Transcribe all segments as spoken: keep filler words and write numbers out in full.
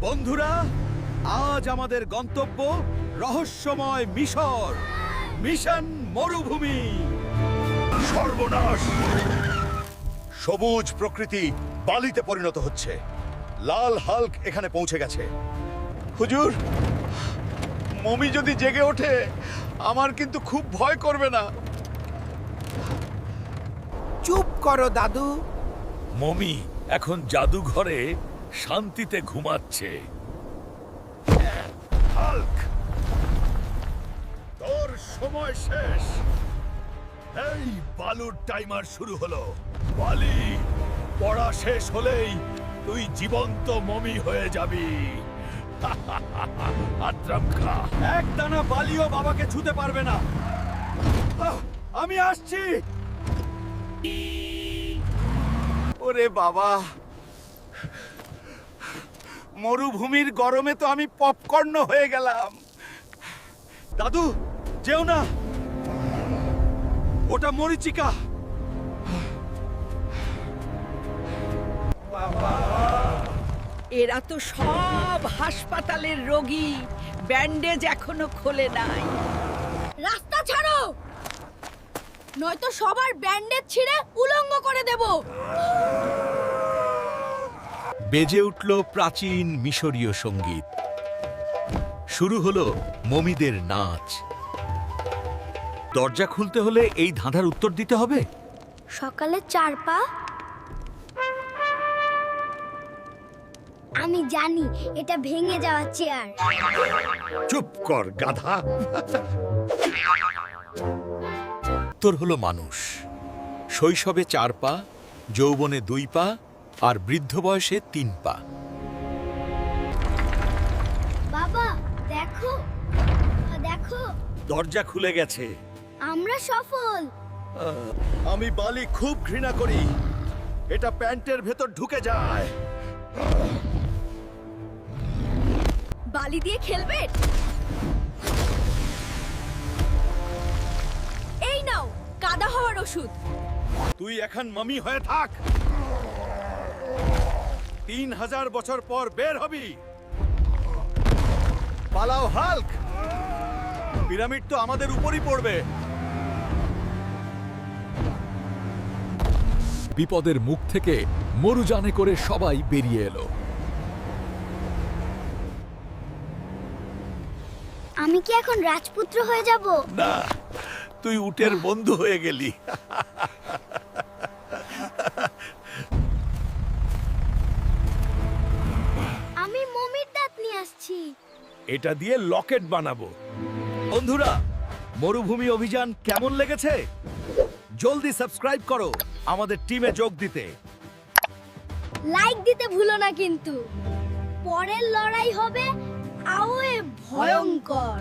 বন্ধুরা, আজ আমাদের গন্তব্য রহস্যময় মিশর, মিশন মরুভূমি। সর্বনাশ! সবুজ প্রকৃতি বালিতে পরিণত হচ্ছে। লাল হাল্ক এখানে পৌঁছে গেছে। হুজুর, মমি যদি জেগে ওঠে আমার কিন্তু খুব ভয় করবে না? চুপ করো দাদু। মমি এখন জাদুঘরে শান্তিতে ঘুমাচ্ছে। হাল্ক, তোর সময় শেষ। এই বালুর টাইমার শুরু হলো। বালি পড়া শেষ হলেই তুই জীবন্ত মমি হয়ে যাবি। আত্রাম খা। এক দানা বালিও বাবাকে ছুতে পারবে না। আহ, আমি আসছি। ওরে বাবা, মরুভূমির গরমে তো আমি পপকর্ন হয়ে গেলাম। দাদু, যেও না, ওটা মরিচিকা। এরা তো সব হাসপাতালের রোগী, ব্যান্ডেজ এখনো খোলে নাই। রাস্তা ছাড়ো, নয়তো সবার ব্যান্ডেজ ছিঁড়ে উলঙ্গ করে দেব। বেজে উঠল প্রাচীন মিশরীয় সঙ্গীত। শুরু হলো মমিদের নাচ। দরজা খুলতে হলে এই ধাঁধার উত্তর দিতে হবে। সকালে চার পা। আমি জানি এটা ভেঙে যাওয়া চেয়ার। চুপ কর গাধা। উত্তর হলো মানুষ। শৈশবে চার পা, যৌবনে দুই পা, আর বৃদ্ধ বয়সে তিন পা। বাবা দেখো, দেখো, দরজা খুলে গেছে। আমরা সফল। আমি বালি খুব ঘৃণা করি। এটা প্যান্টের ভেতর ঢুকে যায়। বালি দিয়ে খেলবে? এই নাও কাদা হওয়ার ওষুধ। তুই এখন মামি হয়ে থাক। তিন হাজার বছর পর বের হবি। পালাও হাল্ক, পিরামিড তো আমাদের উপরই পড়বে। বিপদের মুখ থেকে মরুযানে করে সবাই বেরিয়ে এলো। আমি কি এখন রাজপুত্র হয়ে যাব? না, তুই উটের বন্ধু হয়ে গেলি। আমি মমির দাঁত নিয়ে আসছি। এটা দিয়ে লকেট বানাবো। বন্ধুরা, মরুভূমি অভিযান কেমন লেগেছে? জলদি সাবস্ক্রাইব করো আমাদের টিমে যোগ দিতে। লাইক দিতে ভুলো না কিন্তু। পরের লড়াই হবে আওয়ে ভয়ঙ্কর।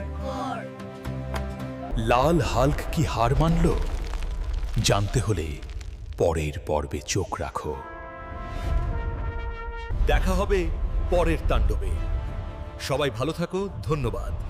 লাল হাল্ক কি হার মানল? জানতে হলে পরের পর্বে চোখ রাখো। দেখা হবে পরের তাণ্ডবে। সবাই ভালো থাকো, ধন্যবাদ।